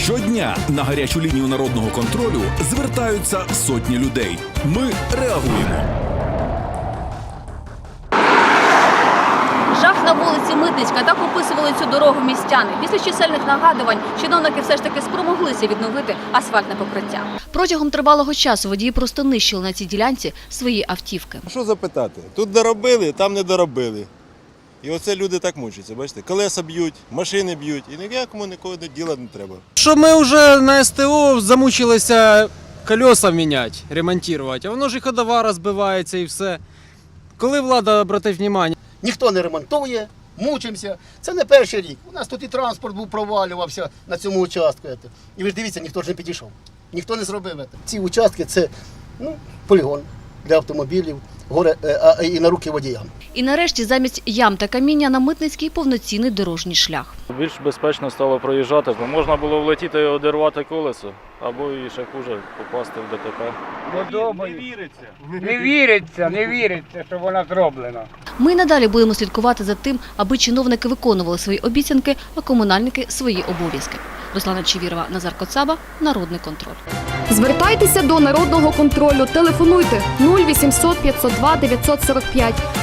Щодня на гарячу лінію народного контролю звертаються сотні людей. Ми реагуємо. Жах на вулиці Митницька. Так описували цю дорогу містяни. Після чисельних нагадувань чиновники все ж таки спромоглися відновити асфальтне покриття. Протягом тривалого часу водії просто нищили на цій ділянці свої автівки. Що запитати? Тут доробили, там не доробили. І оце люди так мучаться, бачите? Колеса б'ють, машини б'ють, і ніякому нікого діла не треба. Що ми вже на СТО замучилися колеса міняти, ремонтувати, а воно ж і ходова розбивається і все. Коли влада обратить увагу? Ніхто не ремонтує, мучимося. Це не перший рік. У нас тут і транспорт був провалювався на цьому участку. І ви ж дивіться, ніхто ж не підійшов. Ніхто не зробив це. Ці участки – це полігон для автомобілів, і на руки водіям. І нарешті замість ям та каміння на Митницький повноцінний дорожній шлях. Більш безпечно стало проїжджати, бо можна було влетіти і одірвати колесо, або і ще хуже попасти в ДТП. Не віриться, що вона зроблена. Ми й надалі будемо слідкувати за тим, аби чиновники виконували свої обіцянки, а комунальники – свої обов'язки. Руслана Чевірова, Назар Коцаба, Народний контроль. Звертайтеся до Народного контролю. Телефонуйте 0800 502 945.